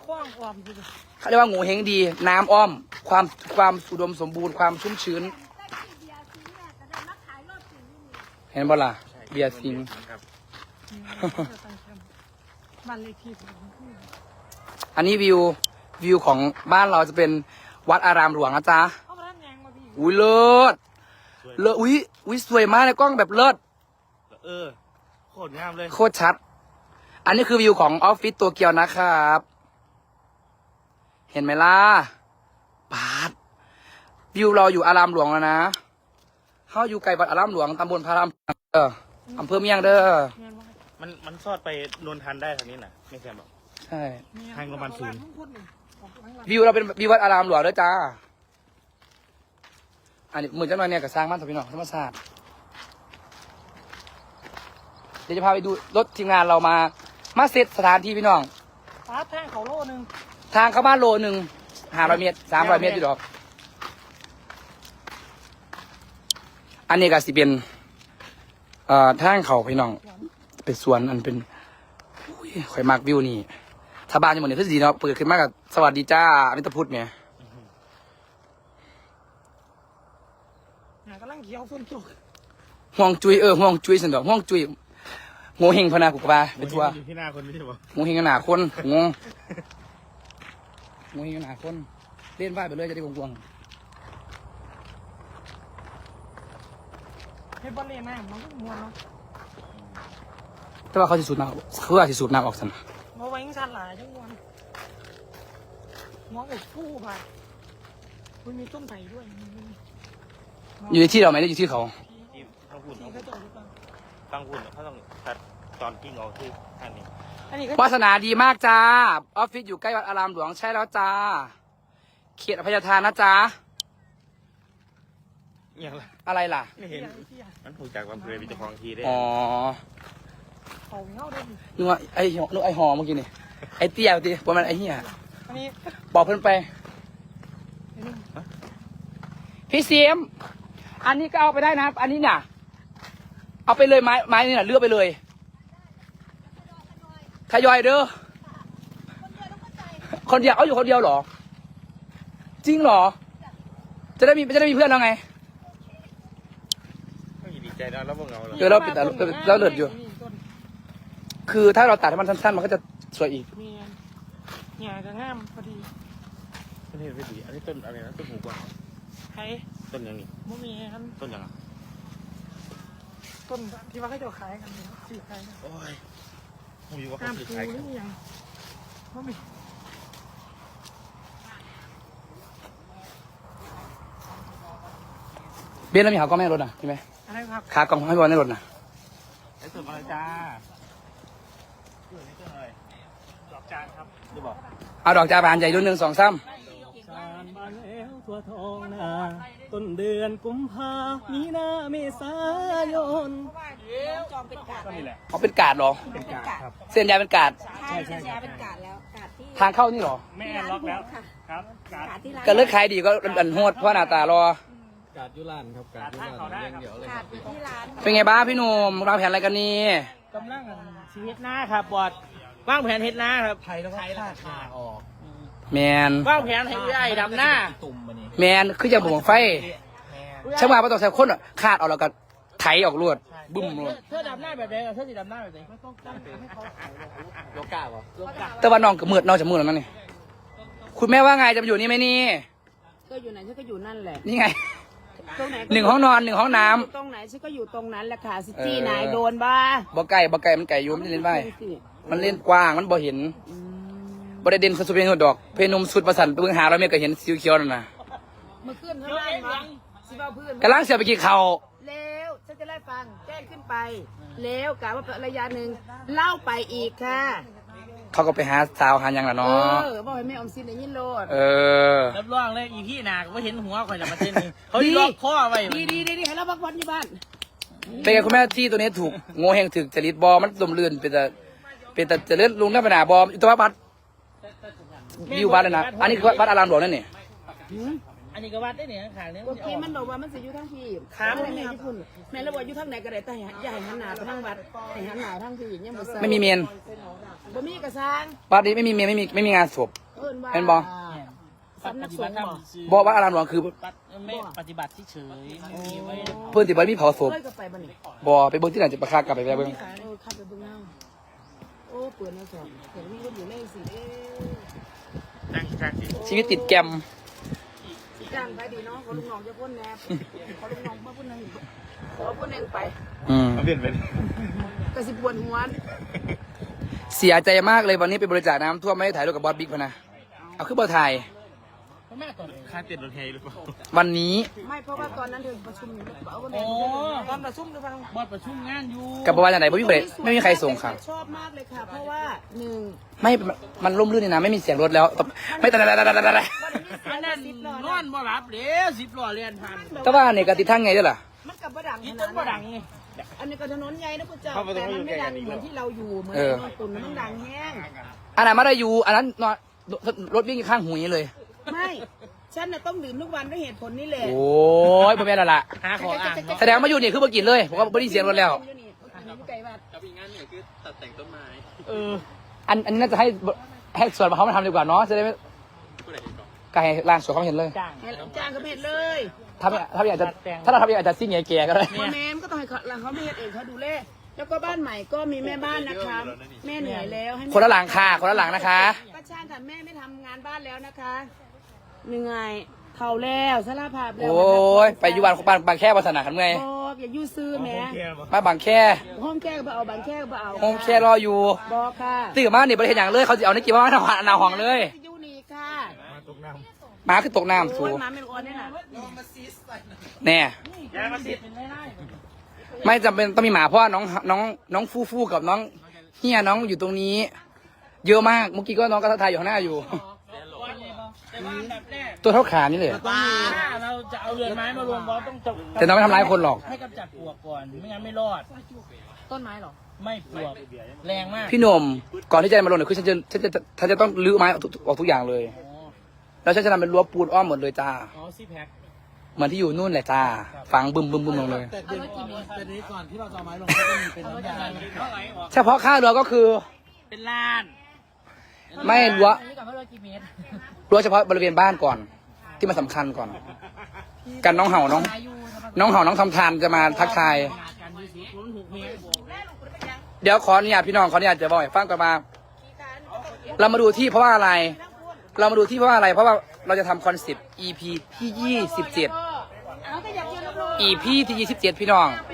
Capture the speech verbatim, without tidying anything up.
คว้างความคือเขาเรียกว่างูเฮงดี น้ำอ้อม ความความอุดมสมบูรณ์ความชุ่มชื้น เห็นบ่ล่ะเบียร์ซิงครับบ้านเลขที่อันนี้วิววิวของบ้านเราจะเป็นวัดอารามหลวงนะจ๊ะเอามาด้านแยงมาพี่อุ้ยเลิศเลิศอุ้ยอุ้ยสวยมากเลยกล้องแบบเลิศเออโคตรงามเลยโคตรชัด อันนี้คือวิวของออฟฟิศตัวเกียวนะครับ เห็นไหมล่ะปาดวิวเราอยู่อารามหลวงแล้วนะเขาอยู่ไกลวัดอารามหลวงตำบลพารามเอออำเภอเมียงเด้อมันมันซอดไปนนทันได้ทางนี้น่ะไม่ใช่หรอกใช่ทางโรงพยาบาลศูนย์วิวเราเป็นวิววัดอารามหลวงเด้อจ้า อันนี้เหมือนเจ้าหน่อยเนี่ยกับสร้างบ้านสพี่น้องธรรมศาสตร์เดี๋ยวจะพาไปดูรถทีมงานเรามา มาเซตสถานที่พี่น้องฟ้าแท่งเขาโล่หนึ่งทางเข้าบ้านโลหนึ่งห้าร้อยเมตรสามร้อยเมตรอยู่ดอก อันนี้ก็สิเป็นเอ่อทางเขาพี่น้อง เป็นสวนอันเป็นอุ้ยข่อยมากวิวนี่ถ้าบ้านจะหมดเนี่ยคือสีเนาะเปิดขึ้นมากับสวัสดีจ้ามิตรพุทธเนี่ยกำลังเขียวฝนตกห่วงจุยเออห่วงจุยสันดอกห่วงจุยโง่เฮงพนากุกบาเป็นทัวอยู่ที่หน้าคนไม่ใช่หรอโง่เฮงขนาดคนงงโง่เฮงขนาดคนเล่นว่ายไปเลยจะได้กวงให้บอลเล่นน้ำมันก็มวนเนาะๆแต่ว่าเขาสิสูบน้ำเขาอาจสิสูบน้ำออกสันมาไว้ยังชันหลายจังมวนมองอกผู้ไปมันมีต้นไผ่ด้วยอยู่ในที่เราไหมได้อยู่ที่เขาที่ต้องพูดที่เขาจอดหรือเปล่าต้องพูดเขาต้องตัดตอนกิ้งออกที่ทางนี้อันนี้ก็วาสนาดีมากจ้าออฟฟิศอยู่ใกล้วัดอารามหลวงใช่แล้วจ้าเขตอภัยทานนะจ้าอย่างไรอะไรล่ะไม่เห็นมันถูกจากอำเภอมีเจ้าของทีได้อ๋อเขาเงาด้วยนึกว่าไอ้หนึกไอ้หอเมื่อกี้นี่ไอ้เตี้ยตีประมาณไอ้เหี้ยอันนี้บอกเพื่อนไปอันนี้พี่เสียมอันนี้ก็เอาไปได้นะ อันนี้เนี่ยเอาไปเลยไม้ไม้นี่น่ะเลือกไปเลยทยอยเด้อคนเดียวเอาอยู่คนเดียวเหรอ จริงเหรอ จะได้มีจะได้มีเพื่อนแล้วไงไม่ดีใจนะแล้วพวกเราเดี๋ยวเราปิดแต่เราเลือดอยู่ คือถ้าเราตัดให้มันสั้นๆมันก็จะสวยอีกมีเนี่ยจะงามพอดีต้นเห็ดไม่ดีอันนี้ต้นอะไรนะต้นหูกวางใครต้นยังนี่บ่มีครับต้นยังอ่ะต้นที่ว่าเขาจะขายกันเนี่ยสี่ขายกันโอ้ยผมอยู่ว่าห้าเขามซื้อปูขายหรือยังบ่มีเบี้ยแล้วมีขากล้องไม่ให้รถนะใช่ไหมอะไรครับขากล้องให้บอลในรถนะไอ้ต้นอะไรจ้าต้นนี้ต้นอะไรดอกจานครับจะบอกเอาดอกจาบานใหญ่รุ่นหนึ่งสองซ้สานมาแล้วทั่วทองนาต้นเดือนกุมภามีนาเมษายนจองเป็นกาดก็นี่แหละำเขาเป็นกาดเหรอเป็นกาดครับเส้นยายเป็นกาดใช่ใช่ใช่เป็นกาดแล้วกาดที่ทางเข้านี่เหรอแม่ล็อกแล้วครับกาดกาดที่ร้านก็เลือกขายดีก็อันโหดเพราะหน้าตารอกาดยุรานครับกาดยุรานเลี้ยงเดี่ยวเลยกาดอยู่ที่ร้านเป็นไงบ้างพี่หนุ่มวางแผนอะไรกันนี่กำลังชีวิตหน้าครับบอดว่างแผนเฮ็ดหน้าครับไทยแล้วก็ขาดออกแมนว่างแผนให้ใหญ่ดำหน้าตุ่มมันนี่แมนคือจะบ่งไฟช่างว่าประตูใส่คนอะขาดออกแล้วก็ไถออกรวดบึ้มรวดเธอดำหน้าแบบไหนเธอสิดำหน้าแบบไหนไม่ต้องการให้เขาโลกาบ่โลกาแต่ว่าน้องก็มืดน้องจะมืดแล้วนั่นนี่คุณแม่ว่าไงจะมาอยู่นี่ไหมนี่ก็อยู่ไหนฉันก็อยู่นั่นแหละนี่ไงตรงไหนหนึ่งห้องนอนหนึ่งห้องน้ำตรงไหนฉันก็อยู่ตรงนั้นแหละค่ะซิจี้เออไหนโดนบ้าบ่ไก่บ่ไก่มันไก่อยุ่มนจะเล่นไปมันเล่นกว้างมันบ่เห็นบ่ได้เด่นสุดๆเป็นหัวดอก เพนมสุดประสันไปเบิ่งหาเราเมฆก็เห็นสีเขียวนั่นน่ะเมื่อคืนข้างล่างมาสิบ้าพื้นกำลังเสียไปกี่เขาแล้วฉันจะไล่ฟังแจ้งขึ้นไป แล้วกะว่าระยะหนึ่งเล่าไปอีกค่ะเขาก็ไปหาสาวหาหยังล่ะเอเนาะอบอกให้แม่ออมสินได้ยินโลดเออรับรองเลยอีพี่นาก็เห็นหัวคอยจะมาเต้นนี่เขาล็อกข้อไว้ดีดีดีดีให้เราพักผ่อนอยู่บ้านเป็นไงคุณแม่ที่ตัวนี้ถูกโง่เฮงถึกจริตบอมันลมลื่นเป็นแต่เป็นแต่เจะเลื่อนลุงได้ปัญหาบอมตัววัดวิววัดเลยนะอันนี้คือวัดอารามหลวงนั่นนี่อันนี้ก็วัดได้เนี่ยขางนี้เมื่อกี้มันบอกว่ามันสิอยู่ทั้งพี่แม่ญี่ปุ่นแม่ระบอกอยู่ทั้งไหนก็ได้แต่อย่าให้หันหน้าไปทางวัดให้หันหน้าทางพี่ยังบ่ใส่ไม่มีเมนบ่มีกระซังวัดนี้ไม่มีเมนไม่มีไม่มีงานศพเอิ้นว่าเป็นบ่สำนักสงฆ์บ่บอกว่าอารามหลวงคือไม่ปฏิบัติเฉยไม่มีไว้เพื่อนติบัตรมีเผาศพเคยก็ไปบ่นี่บอไปเบิ้งที่ไหนจะประคากลับไปไปเบิ้งเออขับไปเบิ่งเอาโอ้เปิดแนวสอนเห็นมีคนอยู่ในสิเอ๊ะนั่งจ้างสิชีวิตติดแกรมสิจ้างไปดีเนาะขอลูกน้องจะพ่นแหนบขอลูกน้องมาพ่นหนึงขอพ่นหนึงไปอืมเปลี่ยนเป็นก็สิปวดหัวเสียใจมากเลยวันนี้ไปบริจาคน้ำท่วมไม่ได้ถ่ายรูปกับบอสบิ๊กพะนะเอาขึ้นบอถ่ายแม่ก่อนค่าเต็นรถเฮหรือเปล่าวันนี้ไม่เพราะว่าตอนนั้นเธอประชุมอยู่เอาคนไหนโอ้ตอนประชุมดูฟังบอดประชุมงานอยู่กับประวัติไหนไม่มีใครไม่มีใครส่งค่ะชอบมากเลยค่ะ เพราะว่าหนึ่งไม่มันร่มรื่นนี่นะไม่มีเสียงรถแล้วไม่แต่แต่แต่แต่แต่แต่อันนั้นนอนบ่หลับเด้อสิบล้อเรียนผ่านแต่ว่าเนี่ยกติดทั้งไงด้วยล่ะมันกับบ่ดังอีขต้นาน ดบ่นั้นดังไงอันนี้ก็ถนนใหญ่นะพุทธเจ้าแต่มันไม่ดังเหมือนที่เราอยู่เหมือนเออนอนตุนมันดังแห้งอันนั้นมาได้อยู่อันนั้นนอนรถวิ่งข้างหูนี้เลยไม่ฉันน่ะต้องดื่มทุกวันด้วยเหตุผลนี่แหละโอ้ยพ่อแม่ละละหาขออ่างแสดงว่าอยู่นี่คือมากินเลยผมว่าไม่ได้เสียงรถแล้วไก่วัดเอออันอันนี้น่าจะให้ให้ส่วนเขามาทำดีกว่าเนาะจะได้ไม่ไก่ล่างสวนเขาเห็นเลยจ้างให้จ้างก็ไม่เห็นเลยถ้าไม่ถ้าไม่อยากจะถ้าเราทำอยากจะซิ่งแก่ๆก็ได้พ่อแม่ก็ต้องให้เขาเขาไม่เห็นเองเขาดูแลแล้วก็บ้านใหม่ก็มีแม่บ้านนะคะแม่เหนื่อยแล้วให้แม่คนละหลังค่ะคนละหลังนะคะก็ช่างค่ะแม่ไม่ทำงานบ้านแล้วนะคะเหนื่อยเท่าแล้วสารภาพแล้วโอ้ยไปอยู่บ้านบ้านบางแค่ภาษาหนาขันไงบอกอย่ายู่ซื้อแหม่มาบางแค่ห้องแก้ก็เอาบางแก้ก็เอาโฮมแค่รออยู่บอกค่ะตื่นมาเนี่ยประเทศอย่างเลยเขาจะเอาในกี่ว่าหนาหนาห้องเลยยูนี่ค่ะหมาคือตกน้ำสูโอ้ยหมาเป็นคนเนี่ยนะแน่ยายมาสิเป็นไรได้ไม่จำเป็นต้องมีหมาเพราะว่าน้องน้องน้องฟูฟูกับน้องเฮียน้องอยู่ตรงนี้ เยอะมากเมื่อกี้ก็น้องก็ทักทายอยู่ข้างหน้าอยู่แต่ว่าแบบแรกตัวเท่าขานี่เลยถ้าเราจะเอาเรือนไม้มารวมบอสต้องจบแต่น้องไม่ทำร้ายคนหรอกให้กำจัดปลวกก่อนไม่งั้นไม่รอดต้นไม้หรอไม่ปลวกแรงมากพี่หนุ่มก่อนที่จะมาลงเนี่ยคือฉันจะฉันจะฉันจะต้องรื้อไม้ออกทุกออกทุกอย่างเลย แล้วฉันจะทำเป็นรั้วปูนอ้อมหมดเลยจ้าอ๋อซีแพ็คเหมือนที่อยู่นู่นแหละจ้าฝังบึมบึมบึมลงเลยแต่เดี๋ยวแต่นี้ก่อนที่เราจะเอาไม้ลงก็จะมีเป็นน้ำยาเท่าไหร่ออกเฉพาะค่าเรือก็คือเป็นล้านไม่รั้วนี่กับว่าเรากี่เมตรรั้วเฉพาะบริเวณบ้านก่อน ที่มันสำคัญก่อน กันน้องเห่าน้อง น้องเห่าน้องทำทานจะมาทักทายการดูสูงศูนย์หกเมตรเดี๋ยวขออนุญาตพี่น้องขออนุญาตจะบอกให้ฟังกันมา เรามาดูที่เพราะว่าอะไร เรามาดูที่เพราะว่าอะไร เพราะว่าเราจะทำคอนเซปต์ อี พี ที่ยี่สิบเจ็ดเอาก็อยากเจอลูกอี พี ที่ยี่สิบเจ็ดพี่น้องๆ